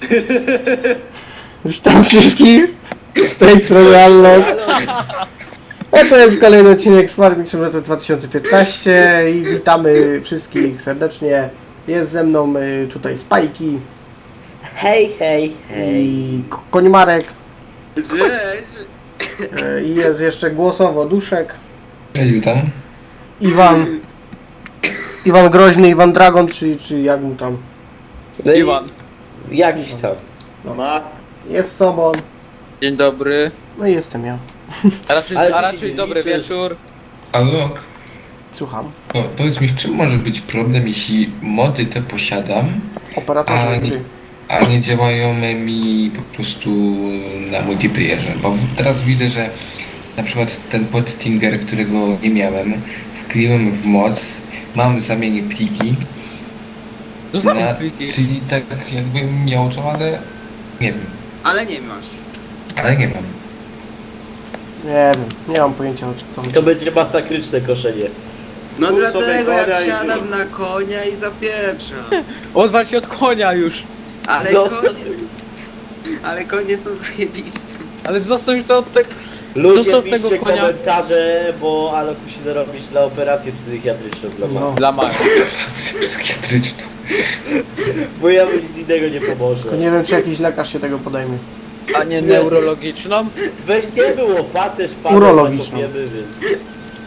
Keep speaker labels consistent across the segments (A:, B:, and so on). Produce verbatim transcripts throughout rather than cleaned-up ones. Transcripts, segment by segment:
A: Witam wszystkich, z tej strony Allok. A to jest kolejny odcinek z Farming Simulator dwa tysiące piętnaście i witamy wszystkich serdecznie. Jest ze mną y, tutaj Spajki.
B: Hej, hej, hej.
A: I K- Konimarek.
C: Cześć!
A: Y, I jest jeszcze głosowo Duszek.
D: Cześć, witam.
A: Iwan. Iwan Groźny, Iwan Dragon, czy, czy jak mu tam.
B: No i
C: Iwan.
B: jakiś tam.
C: Ma.
A: Jest Sobon.
E: Dzień dobry,
A: No i jestem ja.
E: a raczej,
B: Ale ty
E: a
B: się
E: raczej
B: nie
E: dobry
B: liczysz.
E: wieczór.
D: Alok,
A: Słucham.
D: po, powiedz mi, w czym może być problem, jeśli mody te posiadam,
A: Operatorze
D: A,
A: gry.
D: a nie działają mi po prostu na multiplayerze? Bo teraz widzę, że na przykład ten podtinger, którego nie miałem, wkleiłem w moc, mam zamienię pliki,
E: No same
D: na,
E: pliki.
D: czyli tak jakbym miał to, ale nie wiem,
C: Ale nie masz.
D: ale nie mam.
A: Nie wiem, nie mam pojęcia o co chodzi.
B: To będzie masakryczne koszenie.
C: No
B: Mów
C: dlatego
B: sobie konia
C: jak
B: i
C: siadam
B: zrób.
C: na konia i zapieprzam.
E: Odwal się od konia już.
C: Ale
B: Zostaw
C: konie,
B: tego.
C: ale konie są zajebiste.
E: Ale został już to od tego.
B: Ludzie
E: Dostał
B: piszcie
E: tego konia.
B: komentarze, bo Alok musi zarobić na operację psychiatryczną dla
A: No.
B: no.
E: Dla Maja.
D: Psychiatryczną.
B: Bo ja mu nic innego nie pomoże.
A: Tylko nie wiem, czy jakiś lekarz się tego podejmie.
E: A nie neurologiczną?
B: Weź nie było, paterz, paterz,
A: Urologiczną.
B: zakopiemy, więc...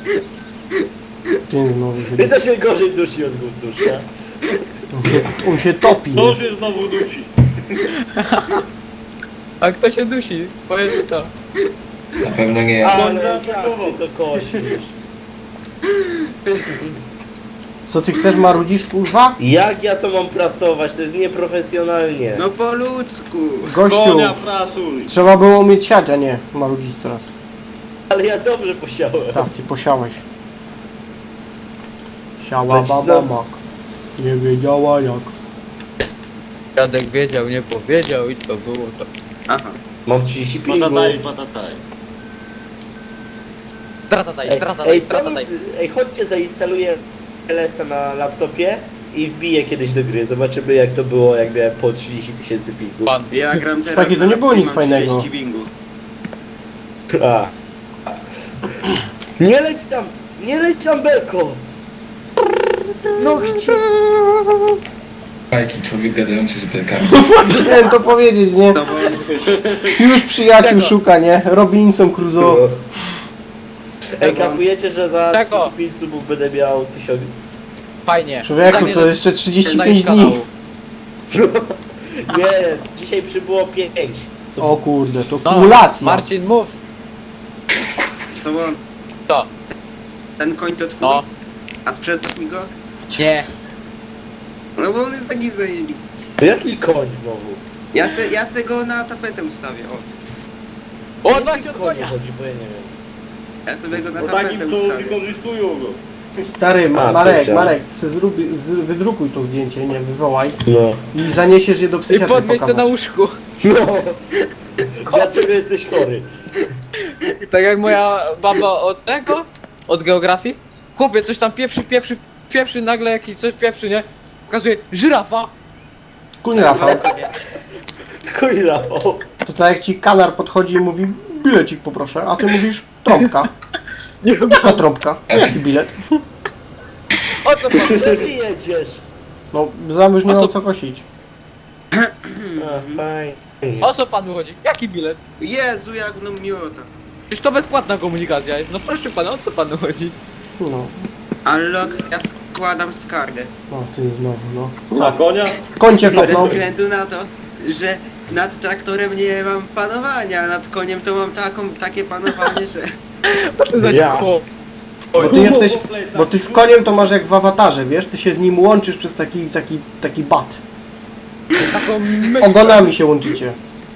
A: Dzień znowu.
B: Mnie to się gorzej dusi od duszka.
A: On się, on się topi.
F: To
A: Nie?
F: już się znowu dusi.
E: A kto się dusi? Powiedz mi to.
D: Na pewno nie.
B: Ale jak
F: zaatakował.
B: ty to kosisz?
A: Co ty chcesz, marudzisz, kurwa?
B: Jak ja to mam prasować? To jest nieprofesjonalnie.
C: No po ludzku.
A: Gościu,
F: Konia prasuj.
A: trzeba było mieć siać, a nie marudzić teraz.
B: Ale ja dobrze posiałem.
A: Tak, ty posiałeś. Siała
B: Leć
A: baba
B: znowu.
A: mak. Nie wiedziała jak.
E: Dziadek wiedział, nie powiedział i to było to.
C: Aha.
B: Mam trzydzieści pingu.
F: Patataj, patataj.
E: Stratataj,
B: Ej,
E: stratataj,
B: ej,
E: stratataj.
B: sami- ej, chodźcie, zainstaluję L S a na laptopie i wbiję kiedyś do gry. Zobaczymy jak to było, jak miałem po trzydzieści tysięcy pingu.
E: Pan.
C: Ja gram teraz
A: Takie to
C: na
A: nie było
C: laptopie,
A: nic
C: mam
A: fajnego.
C: trzydzieści bingu.
B: A. Nie leć tam! Nie leć tam, Belko! No gdzie?
D: Bajki, człowiek gadający z belkami.
A: Chciałem to powiedzieć, nie?
C: To bo...
A: Już przyjaciół
E: Czego?
A: szuka, nie? Robinson Crusoe.
B: Ej, kapujecie, że za
E: Czego?
B: trzydzieści pięć subów będę miał tysiąc.
E: Fajnie.
A: Człowieku,
E: Zamierzam-
A: to jeszcze trzydzieści pięć
E: znaleźć
A: dni.
E: kanału.
B: Nie, dzisiaj przybyło pięć subów.
A: O kurde, to
E: No,
A: kumulacja.
E: Marcin, mów.
C: Sobon,
E: To.
C: ten koń to twój?
E: No.
C: A sprzedasz mi go?
E: Nie.
C: No bo on jest taki zajebisty.
B: To jaki koń znowu?
C: Ja se, ja se go na tapetę ustawię, o.
E: Odwal się od
B: Konie
E: konia.
B: chodzi, bo ja nie wiem.
C: Ja sobie go na
F: Bo
C: tapetę
F: takim, co
C: ustawię.
F: wykorzystują go.
A: Stary, Ma-
B: A,
A: Marek,
B: powiedziałem.
A: Marek, ty se zrób, z, wydrukuj to zdjęcie, nie? Wywołaj.
B: No.
A: I zaniesiesz je do
E: I
A: psychiatry
E: podwieź się na
A: pokazać.
E: łóżku.
B: No. Dlaczego jesteś chory?
E: Tak jak moja baba od tego? Od geografii? Chłopie, coś tam pieprzy, pieprzy, pieprzy, nagle jakiś coś pieprzy, nie? Pokazuje, żyrafa!
A: Kuń Rafał.
B: Koń Rafał.
A: To tak jak ci kanar podchodzi i mówi bilecik poproszę, a ty mówisz trąbka. Jaka trąbka? Jaki bilet?
E: O co pan?
B: Gdzie ty jedziesz?
A: No, zam już nie
E: A
A: mam
E: co-
A: co kosić.
B: A, fajnie.
E: O co panu chodzi? Jaki bilet?
C: Jezu, jak no miota.
E: Przecież to bezpłatna komunikacja jest. No proszę pana, o co panu chodzi?
A: No,
C: Unlock, ja składam skargę.
A: no ty znowu, no.
F: Na
A: Co?
F: konia?
A: Końcie
C: Ze
A: kopnął.
C: względu na to, że nad traktorem nie mam panowania, a nad koniem to mam taką, takie panowanie, że...
E: To zaś
B: Ja.
E: chłop.
A: Bo ty jesteś, bo ty z koniem to masz jak w awatarze, wiesz? Ty się z nim łączysz przez taki, taki, taki bat.
E: Taką myśl.
A: Ogonami się łączycie.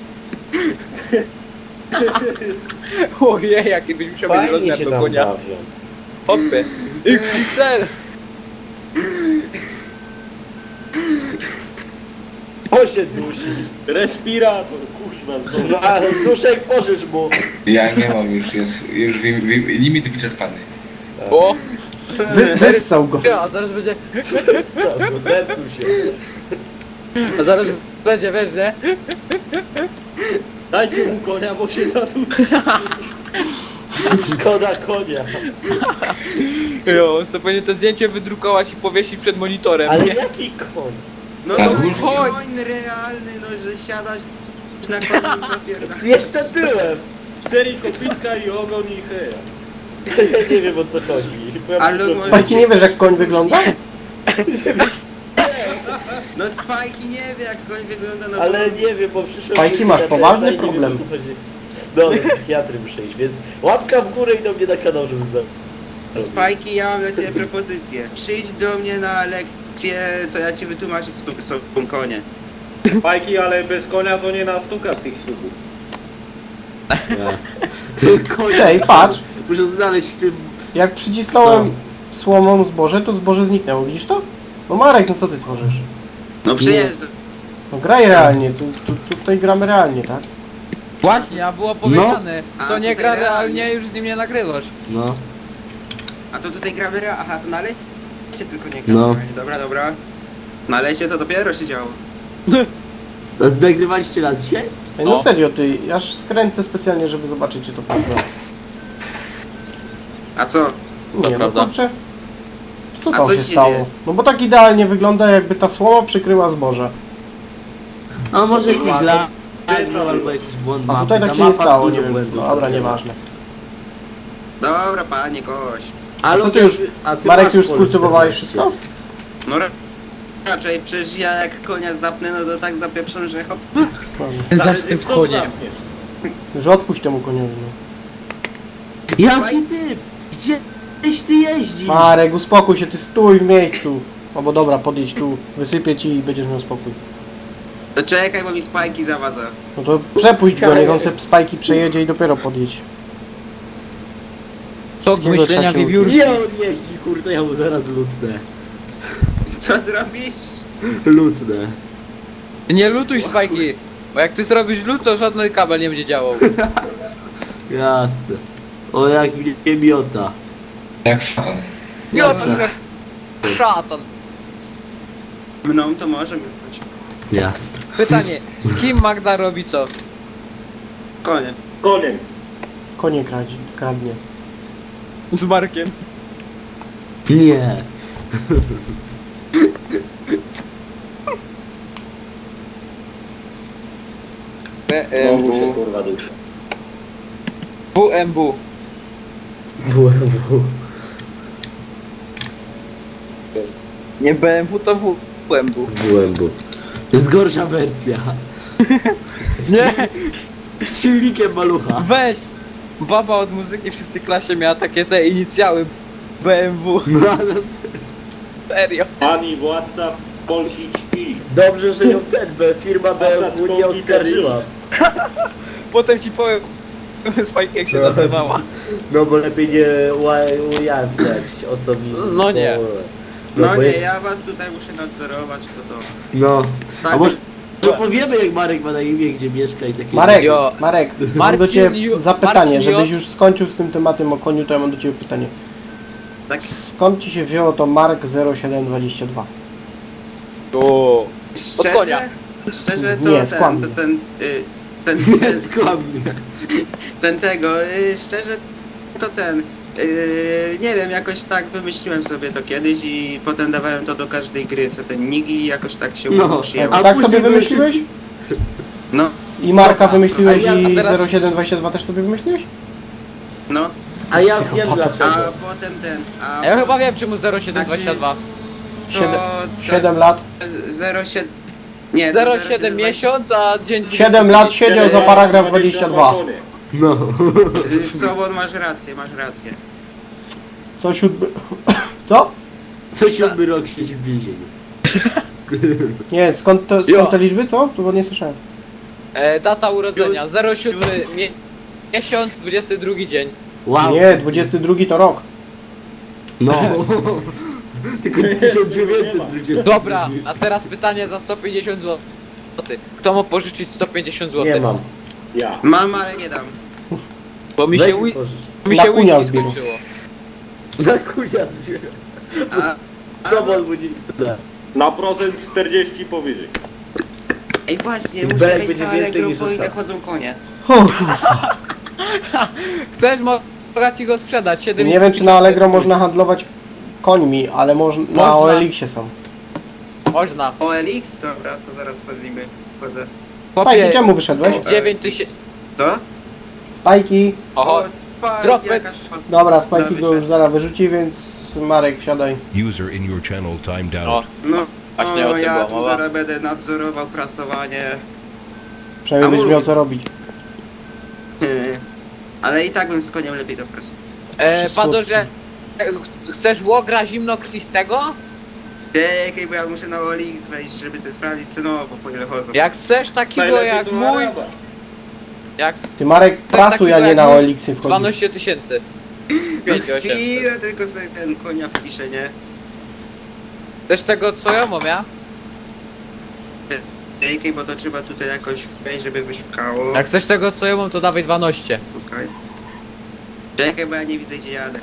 E: Ojej, jaki byś musiał mieć
B: Fajnie
E: rozmiar
B: się
E: do
B: tam
E: konia.
B: bawią.
E: Hopy. X X L.
B: O się dusi.
F: Respirator, kurwa. co?
B: No ale duszek pożycz mu.
D: Ja nie mam już, jest już wi- wi- limit wyczerpany.
E: O!
A: Wy, wyssał go.
E: Ja, a zaraz będzie...
B: Co, no zepsuł się.
E: A zaraz będzie, wiesz, nie?
F: Dajcie mu konia, bo się zatupi.
B: Szkoda konia.
E: Jo, on sobie powinien to zdjęcie wydrukować i powiesić przed monitorem,
B: Ale
E: nie?
B: jaki koń?
C: No
D: Tak,
C: to
D: już-
C: koń realny, no że siadasz na koniu i zapierdalasz.
B: Jeszcze tyłem.
F: Cztery kopitka i ogon i heja.
B: Ja nie wiem o co chodzi. Bo ja
C: Ale
B: muszę-
C: może-
A: Spajki, nie wiesz jak koń wygląda?
C: No Spajki nie wie jak koń wygląda, no
B: Ale
C: bo...
B: nie wiem, bo przyszedłem...
A: Spajki,
B: do
A: masz
B: T S A
A: poważny
B: i nie wiem,
A: problem.
B: o co chodzi. No, do psychiatry muszę iść, więc łapka w górę i do mnie na kanał, żeby za...
C: Spajki, ja mam dla ciebie propozycję. Przyjdź do mnie na lekcję, to ja ci wytłumaczę co są konie.
F: Fajki, ale bez konia to nie nastuka z tych ślubów.
G: Ty koń.
A: Ej, patrz.
G: Muszę znaleźć w tym.
A: Jak przycisnąłem słomą zboże, to zboże zniknęło, widzisz to? No Marek, no co ty tworzysz?
C: No przyjeżdżaj.
A: No graj realnie, tu, tu, tutaj gramy realnie, tak?
E: Właśnie, a było powiedziane,
C: A,
E: kto nie
C: tutaj
E: gra
C: realnie.
E: realnie, już z nim nie nagrywasz.
G: No.
C: A to tutaj gramy rea... Aha, to na lesie tylko nie gramy.
G: No.
C: Dobra, dobra. Na lesie to dopiero się działo.
G: A nagrywaliście nas dzisiaj?
A: Ej, no
E: O.
A: serio, ty, aż skręcę specjalnie, żeby zobaczyć, czy to prawda.
C: A co?
A: Nie, no
E: prawda.
A: kurczę. Co
C: A
A: tam
C: co
A: się
C: się
A: stało?
C: dzieje?
A: No bo tak idealnie wygląda, jakby ta słoma przykryła zboże.
G: A może jakiś
C: Ładnie.
G: lag no, albo jakiś błąd
A: A
G: mapy.
A: tutaj tak
G: Ta
A: się nie
G: mapa
A: stało,
G: dużo
A: nie wiem.
G: błędów
A: No dobra,
G: trafiła.
A: nieważne.
C: Dobra, panie koś.
G: Ale
A: co ty
G: to-
A: już-
G: a ty
A: Marek,
G: masz
A: już
G: pole
A: skultywowałeś
G: czternaście.
A: wszystko?
C: No ra- raczej, przecież ja jak konia zapnę, no to tak zapieprzę, że hop.
A: Dobrze.
E: Zawsze z tym
F: Kto
E: koniem.
F: zamkniesz?
A: Już odpuść temu koniowi. No.
G: Jaki typ? Gdzieś ty jeździsz?
A: Marek, uspokój się, ty stój w miejscu. No bo dobra, podjedź tu, wysypię ci i będziesz miał spokój.
C: To czekaj, bo mi spajki zawadza.
A: No to przepuść go, niech on se spajki przejedzie i dopiero podjedź.
E: Tok
A: Wszystkiego
E: myślenia
A: trzeba się
E: wiewiórki.
G: Gdzie on jeździ, kurde, ja mu zaraz lutnę.
C: Co zrobisz?
G: Lutnę.
E: Ty nie lutuj spajki, bo jak ty zrobisz lut, to żadny kabel nie będzie działał.
G: Jasne. O, jak mnie nie miota.
D: Jak szatan.
E: Miotą jak szatan.
C: Mną to może być.
G: Jasne.
E: Pytanie, z kim Magda robi co?
C: Konie.
F: Koniem.
A: Konie kradzi, kradnie.
E: Z Markiem.
G: Nie.
F: Znowu się kurwa duszy.
E: W M W.
G: W M W.
E: Nie B M W, to W M W.
G: W M W. To jest gorsza wersja.
E: Nie,
G: Z silnikiem malucha.
E: weź! Baba od muzyki w szóstej klasie miała takie te inicjały B M W.
G: No, no,
E: Serio.
F: Pani władca polskich śpi.
G: dobrze, że ją ten, B, firma B M W nie oskarżyła.
E: Potem ci powiem Spajki jak się
G: No.
E: nazywała.
G: No bo lepiej nie ła- ujawniać osobni.
E: No nie.
C: No,
G: bo
C: nie,
G: jest-
C: ja was tutaj muszę nadzorować, to to.
G: No.
C: Tak,
G: A może to powiemy jak Marek ma na imię, gdzie mieszka i takie...
A: Marek,
E: Jo.
A: Marek, mam
E: Marcin
A: do ciebie
E: Ju-
A: zapytanie,
E: Marcin
A: żebyś
E: J.
A: już skończył z tym tematem o koniu, to ja mam do ciebie pytanie.
C: tak
A: Skąd ci się wzięło to Mark zero siedem dwadzieścia dwa?
E: O.
C: szczerze,
E: konia.
C: szczerze to
A: Nie,
C: ten,
A: skłamnie.
C: ten, ten, y, ten,
G: Nie,
C: ten,
G: skłamnie.
C: ten tego, y, szczerze to ten, y, nie wiem, jakoś tak wymyśliłem sobie to kiedyś i potem dawałem to do każdej gry, se ten nick i jakoś tak się
G: No,
C: przyjęło.
G: a
A: tak
G: później
A: sobie
G: były
A: wymyśliłeś?
C: No,
A: I Marka
E: Dobra,
A: wymyśliłeś
G: a ja
A: i
E: teraz-
A: zero siedem dwadzieścia dwa też sobie wymyśliłeś?
C: no,
G: A ja wiem
A: Psychopata.
C: a
G: dlaczego.
C: potem ten, a
E: A ja chyba wiem czemu zero siedem dwadzieścia dwa.
A: siedem,
C: to,
A: siedem lat.
C: zero siedem, nie, to
E: zero siedem miesiąc, a dzień
A: siedem lat siedział za paragraf dwadzieścia dwa.
F: konie.
G: No.
C: Y, Sobon, masz rację, masz rację.
A: Co siódmy... Co?
G: Co siódmy rok siedzi w więzieniu.
A: Nie, skąd, to, skąd te liczby, co? To bo nie słyszałem.
E: E, data urodzenia zero siedem mie miesiąc, dwudziesty drugi dzień.
G: Wow.
A: Nie, dwudziesty drugi to rok.
G: No. Tylko tysiąc dziewięćset dwadzieścia.
E: Dobra, a teraz pytanie za sto pięćdziesiąt złotych. Kto ma pożyczyć sto pięćdziesiąt złotych?
G: Nie mam.
F: Ja.
C: Mam, ale nie dam.
E: Bo mi
G: Weź
E: się,
G: mi
E: wi-
G: pożycz.
E: mi
A: Na
E: się
A: kunia
E: whisky
A: zbierał.
E: skończyło.
G: Na kunia zbieram.
C: A,
G: Co on mu nie chce dać?
F: Na procent czterdzieści powyżej.
C: Ej właśnie,
B: Tych
C: muszę
B: belek
C: wejść
B: będzie
C: na
B: więcej
C: Allegro,
B: niż
C: po ile
B: ostatnio.
C: chodzą konie.
A: Uff.
E: Chcesz, mogę ci go sprzedać. siedem
A: Nie wiem, czy na
E: tysięcy
A: Allegro
E: jest
A: można handlować końmi, ale moż, na
E: Można.
A: O L X-ie są.
E: twój. Można.
C: O L X? Dobra, to zaraz wchodzimy. Wchodzę.
A: Spajki,
E: Chłopie,
A: czemu wyszedłeś?
E: dziewięć tysięcy.
C: Co?
A: Spajki.
E: Oho,
C: O, spadł,
E: drop it.
C: jakaś szot-
A: Dobra, Spajki
C: Dobra,
A: go już
C: wyszedł.
A: zaraz wyrzuci, więc Marek, wsiadaj.
H: User in your channel timed out.
E: o,
C: No,
E: Właśnie o
C: o,
E: tym
C: ja
E: była
C: tu
E: mowa.
C: zaraz będę nadzorował prasowanie.
A: Przynajmniej
C: A
A: będziesz
C: mów.
A: miał co robić.
C: Ale i tak bym z koniem lepiej do prasu.
E: e,
A: Słodki.
E: Padorze, e, ch- chcesz łogra zimnokrwistego?
C: Czekaj, bo ja muszę na O L X wejść, żeby sobie sprawdzić cenowo, po ile chodzą.
E: Jak chcesz takiego
F: Najlepiej
E: jak
F: do
E: mój,
F: Araba.
E: jak
A: Ty Marek,
E: Coś
A: prasuj, a
E: takiego
A: nie
E: jak
A: na
E: mój
A: O L X-ie wchodzisz.
E: dwanaście tysięcy. pięć osiem.
C: Chwilę tylko sobie ten konia wpiszę, nie?
E: Chcesz tego co ja mam, ja?
C: Czekaj, bo to trzeba tutaj jakoś wejść, żeby wyszukało.
E: Jak chcesz tego co ja mam, to dawaj dwanaście.
C: Okej. Czekaj, bo ja nie widzę, gdzie jadę.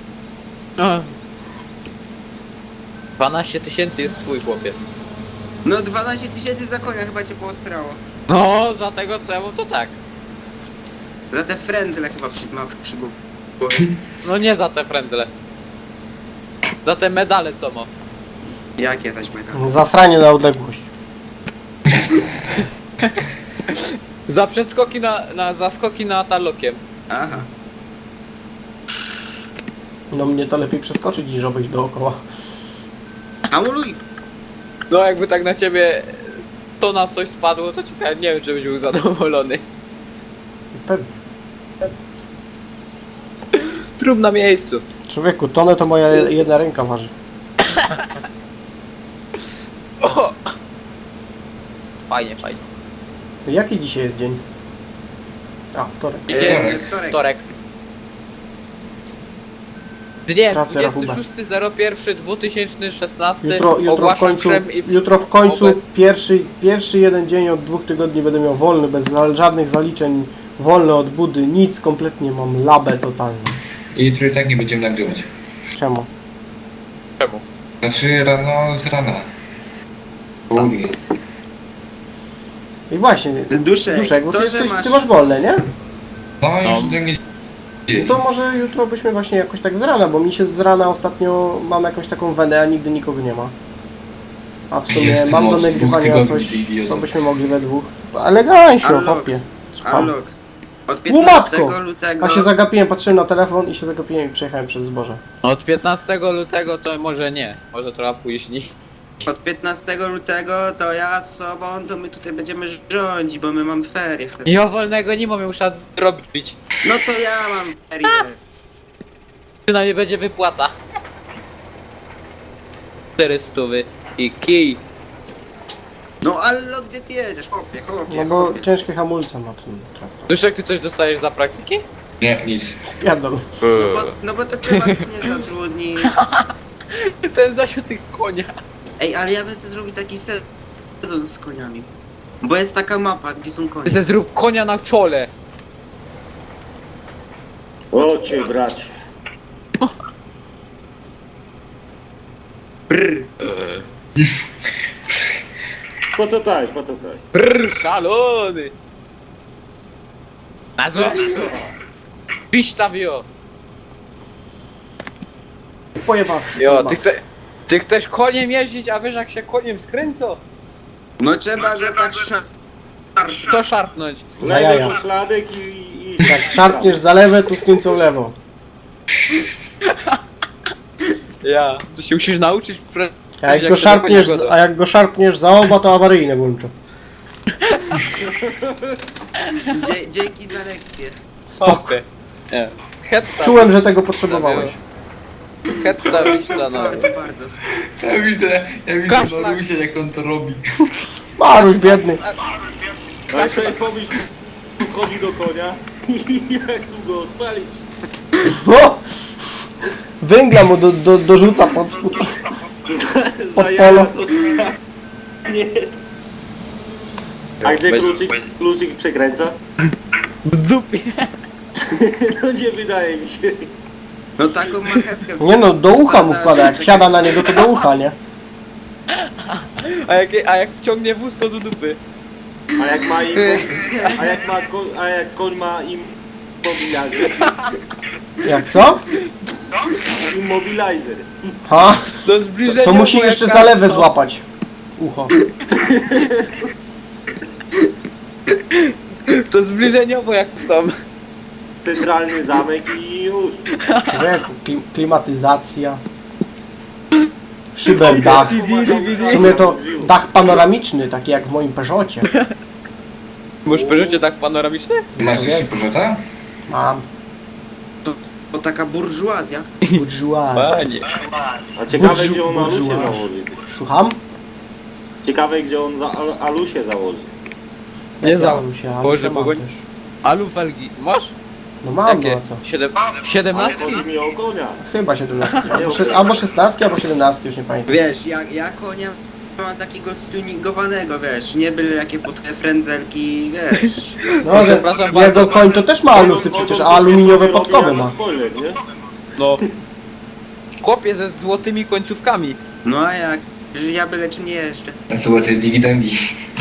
E: dwanaście tysięcy jest twój, chłopie.
C: No dwanaście tysięcy za konia chyba cię posrało.
E: No, za tego co ja mam, to tak.
C: Za te frędzle chyba przy, ma przy głowie.
E: No nie za te frędzle. Za te medale co mam.
C: Jakie taśmy tam?
A: Zasranie na odległość.
E: Za przedskoki na, na zaskoki na talokiem.
C: Aha.
A: No mnie to lepiej przeskoczyć niż obejść dookoła.
C: Hamuluj!
E: No jakby tak na ciebie to na coś spadło, to ciekawe, nie wiem czy byś był zadowolony.
A: Pewnie.
E: Trup na miejscu.
A: Człowieku, tonę to moja jedna ręka waży.
E: O! Fajnie, fajnie.
A: Jaki dzisiaj jest dzień? A, wtorek.
E: Jest
C: wtorek.
E: wtorek. Dnie
A: Tracę rachubę.
E: dwudziestego szóstego pierwszego dwa tysiące szesnastego
A: Jutro, jutro w
E: ogłaszam
A: końcu,
E: wszem i w...
A: jutro w końcu
E: wobec-
A: pierwszy, pierwszy jeden dzień od dwóch tygodni będę miał wolny, bez za- żadnych zaliczeń, wolny od budy, nic kompletnie, mam labę totalnie.
D: I jutro i tak nie będziemy nagrywać.
A: Czemu?
E: Czemu?
D: Znaczy rano z rana. Południe.
A: I właśnie,
C: Duszek,
A: Duszek, bo ty,
C: to, że
A: jesteś,
C: masz-
A: ty masz wolne, nie?
D: No
E: No.
D: już do mnie
A: No to może jutro byśmy właśnie jakoś tak z rana, bo mi się z rana ostatnio mam jakąś taką wenę, a nigdy nikogo nie ma. A w sumie
D: Jestem
A: mam do
D: od dwóch
A: nagrywania
D: tygodni,
A: coś,
D: ty idioto.
A: co byśmy mogli we dwóch. Elegancio,
C: Allok.
A: hopie. Słucham.
C: Allok. Od
A: U,
C: piętnastego
A: matko!
C: lutego...
A: A się zagapiłem, patrzyłem na telefon i się zagapiłem i przejechałem przez zboże.
E: Od piętnastego lutego to może nie, może trochę później.
C: Od piętnastego lutego to ja z sobą, to my tutaj będziemy rządzić, bo my mamy ferie wtedy.
E: Ja wolnego nie mam, muszę robić.
C: No to ja mam ferie.
E: Przynajmniej będzie wypłata. czterysta i kij.
C: No Allo, gdzie ty jedziesz? Chłopie, chłopie,
A: No bo
C: chłopie.
A: ciężkie hamulce ma ten traktor.
E: Duszek, ty coś dostajesz za praktyki?
D: Nie, nic.
A: Spierdol.
C: No bo, no bo to trzeba nie zatrudnić.
E: Ten zasiuty konia.
C: Ej, ale ja bym sobie zrobił taki sezon z koniami. Bo jest taka mapa, gdzie są konie.
E: Ty se zrób konia na czole.
F: O cię bracie.
C: Brr.
F: Potataj, potataj.
E: Brrr, szalony. Nazwa? Pistawio.
A: Pojebawszy.
E: Jo, ty, chce, ty chcesz koniem jeździć, a wiesz jak się koniem skręcą?
C: No trzeba go tak szar...
E: To szarpnąć.
A: Za jaja.
F: Znajdę szladek i... i...
A: Jak szarpniesz za lewe, to skręcą lewo.
E: Ja. To się musisz nauczyć. Pre...
A: A jak
E: jak
A: go
E: to
A: szarpniesz,
E: do konia
A: a jak go szarpniesz za oba, to awaryjne włączę.
C: Dzie dzięki za lekcję.
A: Spoko.
E: Spokój. Nie. Hetta.
A: Czułem, że tego potrzebowałeś.
E: Hetta wyśla na...
C: Bardzo, bardzo.
D: Ja widzę, ja widzę
E: Kaszlak.
D: Marusia jak on to robi.
A: Maruś biedny.
F: A sobie pomyśl, wchodzi do konia i jak tu go odpalić.
A: O! Węgla mu do, do, dorzuca pod spód. Pod
F: Za
A: polo.
F: jaja to- Nie. A gdzie kluczyk, kluczyk przekręca?
E: W dupie.
F: No nie wydaje mi się.
C: No taką marchewkę...
A: Nie no, do ucha mu wkłada, jak wsiada na niego, to do ucha, nie?
E: A jak, a jak ściągnie wóz, to do dupy.
F: A jak ma im, a jak ma, ko, a jak koń ma immobilizer,
A: Jak co?
F: immobilizer.
A: Ha?
E: To zbliżenie.
A: To musi
E: było
A: jeszcze
E: jak
A: zalewę
E: kasko.
A: złapać. Ucho.
E: To zbliżeniowo jak tam.
F: Centralny zamek i już.
A: Człowieku, kli- klimatyzacja. Szyberdach.
E: C D, D V D.
A: W sumie to dach panoramiczny, taki jak w moim Peugeocie.
E: Możesz Peugeocie tak panoramiczny?
D: Masz jeszcze Peugeota?
A: Mam.
C: To taka burżuazja.
A: Bourgeois.
E: Panie.
F: A ciekawe
A: Burżu-
F: gdzie on Alusie
A: burżuaz.
F: założy.
A: Słucham?
F: Ciekawe gdzie on za Al- Alusie założy.
E: Nie za.
A: Założył się, ale
E: Boże,
A: to mam
E: Bogoń.
A: też.
E: Alu felgi. Masz?
A: No mam, no
E: Jakie?
A: a co?
E: Siedem...
F: Ale
E: Siedemnastki?
F: chodzi mi o konia.
A: Chyba siedemnastki. Albo, sze- albo szesnastki, albo siedemnastki, już nie pamiętam.
C: Wiesz, ja, ja konia mam takiego stuningowanego, wiesz, nie byle jakie po te frędzelki, wiesz.
A: No, że
E: Przepraszam
A: jego
E: bardzo.
A: koń to też ma alusy przecież, a aluminiowe podkowy ma.
F: Spoiler, nie?
E: No. Chłopie ze złotymi końcówkami.
C: No a jak? Że ja byle czym nie jeżdżę.
D: Złote dywidendy.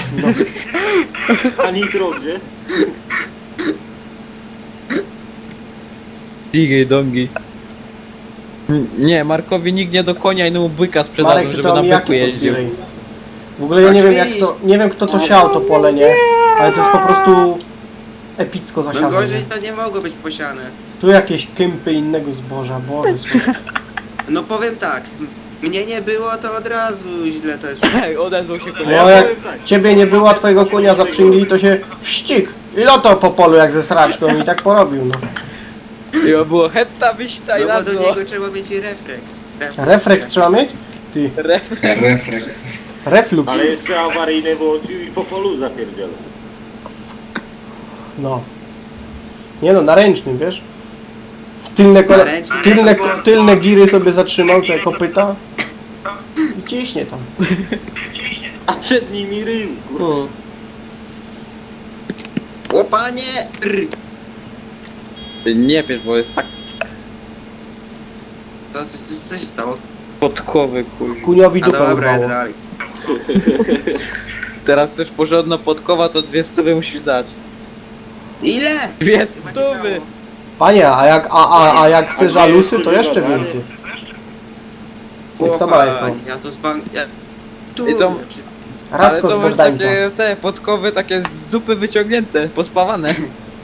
F: A nitro gdzie?
E: Digi dongi. N- Nie, Markowi nikt nie do konia i mu byka sprzedadzą,
A: Marek, ty
E: żeby
A: to
E: na byku
A: omijaki
E: jeździł.
A: pozbieraj. W ogóle ja nie wiem jak to, nie wiem kto to siał to pole, nie? Ale to jest po prostu epicko
C: No
A: zasiane.
C: gorzej
A: Nie?
C: to nie mogło być posiane.
A: Tu jakieś kępy innego zboża, Boże słowo.
C: No powiem tak, mnie nie było to od razu źle też.
E: Hej, odezwał się konia.
A: No jak ciebie nie było, twojego konia zaprzęgli, to się wścig. I loto po polu jak ze sraczką i tak porobił, no.
E: I było hetta wyśta i
C: No bo do
E: nazwo.
C: niego trzeba mieć refleks.
A: Refleks trzeba mieć? Ty,
D: Refleks.
A: reflux.
F: Ale jeszcze awaryjny włączył i po polu zapierdzielał.
A: No. Nie no, na ręcznym, wiesz? Tylne, kole...
C: Na ręcznym?
A: tylne, ko- tylne giry sobie zatrzymał, te kopyta. I ciśnie tam.
F: A przed nimi rył. kurwa.
A: Hmm.
C: O panie! Rr.
E: Nie wiesz, bo jest tak
C: To coś, coś, coś stało.
E: podkowy, kur...
A: Kuniowi
C: A
A: dupę
C: dobra,
A: urwało.
C: jadę dalej.
E: Teraz też porządna podkowa, to dwie stówy musisz dać.
C: Ile?
E: Dwie stówy!
A: Panie, a jak, a, a, a jak chcesz
F: A
A: alusy, to
F: nie,
A: jeszcze
F: nie,
A: więcej. Jak to ma jako?
C: Ja to z bank... Ja... Tu,
E: I to-
C: czy-
E: Ale
A: Radko z
E: to masz
A: Bogdańca.
E: takie te podkowy takie z dupy wyciągnięte, pospawane.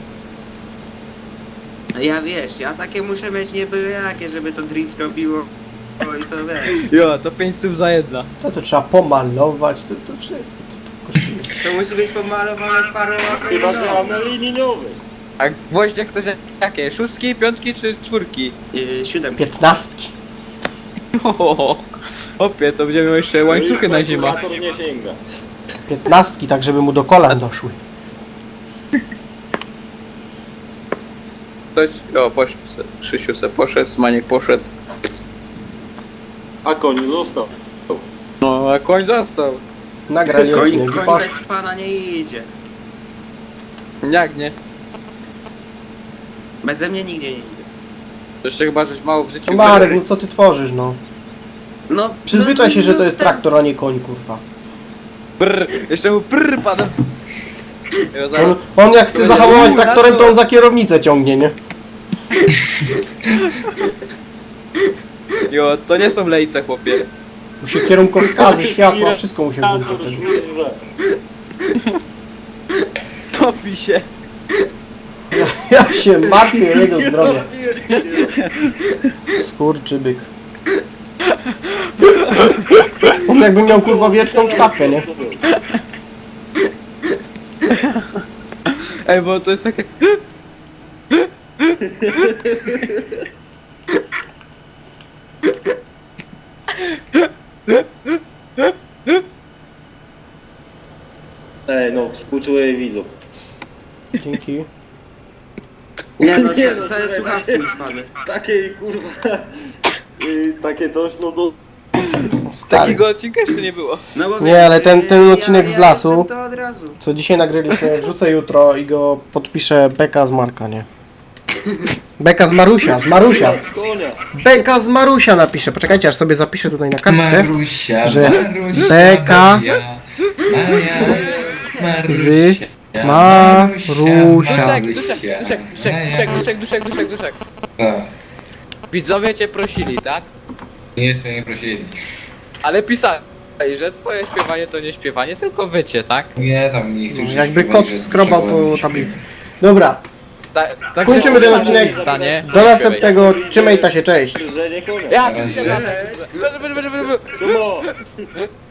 C: Ja wiesz, ja takie muszę mieć nie byle jakie, żeby to drift robiło. O i to wiesz.
E: Jo, to pięć stów za jedna.
A: To to trzeba pomalować, to, to wszystko. To, to kosztuje.
C: To musi być pomalowane parę
F: Chyba, że
C: lat.
F: na linii liniowej.
E: A gwoździe chcesz jakie? Szóstki, piątki czy czwórki?
C: Yy, siódemki.
A: Piętnastki.
E: Ohoho. Opie, to będziemy miał jeszcze łańcuchy na zimę.
F: Kalkulator nie sięga.
A: Piętnastki, tak żeby mu do kolan doszły.
E: Ktoś, o poszedł, se, Krzysiu se poszedł, Maniek poszedł.
F: A koń został.
E: No, a koń został.
A: Nagrali
C: Koń,
A: odcinek i
C: koń
A: poszli.
C: bez pana nie idzie.
E: Jak nie?
C: Beze mnie nigdzie nie idzie.
E: To jeszcze chyba, żeś mało w życiu...
A: No Marek, no co ty tworzysz, no?
C: No,
A: Przyzwyczaj
C: no,
A: się, że
C: no,
A: to jest
C: ten-
A: traktor, a nie koń, kurwa.
E: Brr, jeszcze mu prr pada. Ja
A: On,
E: zaraz-
A: on jak chce
E: Będzie
A: zahamować
E: uuu, na
A: traktorem,
E: co?
A: to on za kierownicę ciągnie, nie?
E: Jo, to nie są lejce, chłopie.
A: Musi kierunkowskazy, światła, wszystko musi
F: Kalkulator,
A: włączyć wtedy.
F: kurwa.
E: Topi się.
A: Ja się martwię o jego zdrowie. Skurczybyk. On jakby miał kurwa wieczną czkawkę, nie?
E: Ej, bo to jest takie...
F: Ej, no, współczuję widzów.
A: Dzięki.
C: Nie no,
F: Nie,
C: co,
F: no,
C: co jest
F: słuchaj,
C: słuchawki mi spadły.
F: Takie kurwa. y, takie coś, no to.
A: Stary.
E: Takiego odcinka jeszcze nie było.
C: No bo
A: Nie,
C: wiesz,
A: ale ten- ten
C: ja-
A: odcinek
C: ja
A: z lasu-
C: jestem To od razu.
A: Co dzisiaj nagraliśmy, wrzucę jutro i go podpiszę Beka z Marka, nie? Beka z Marusia, z Marusia.
F: Z konia.
A: Beka z Marusia napiszę. Poczekajcie, aż sobie zapiszę tutaj na kartce.
D: Marusia,
A: że
D: Marusia,
A: Beka-
D: Maria, Maria.
A: Z
D: Marusia,
A: Marusia.
E: Duszek, duszek, duszek, duszek, duszek, duszek, duszek, duszek.
D: Co?
E: Widzowie cię prosili, tak?
D: Nie jest mnie prosili.
E: Ale pisali, że twoje śpiewanie to nie śpiewanie, tylko wycie, tak?
D: Nie, tam niektórzy
A: Jakby
D: śpiewali,
A: kot
D: że
A: skrobał
D: trzeba
A: po
D: było
A: tablicy.
D: śpiewać.
A: Dobra,
E: Ta, tak
A: Kończymy ten odcinek.
E: Stanie.
A: do następnego. Trzymaj ta się, cześć.
F: Że nie konia.
E: Ja,
D: Na razie.
E: oczywiście,
F: Szumo!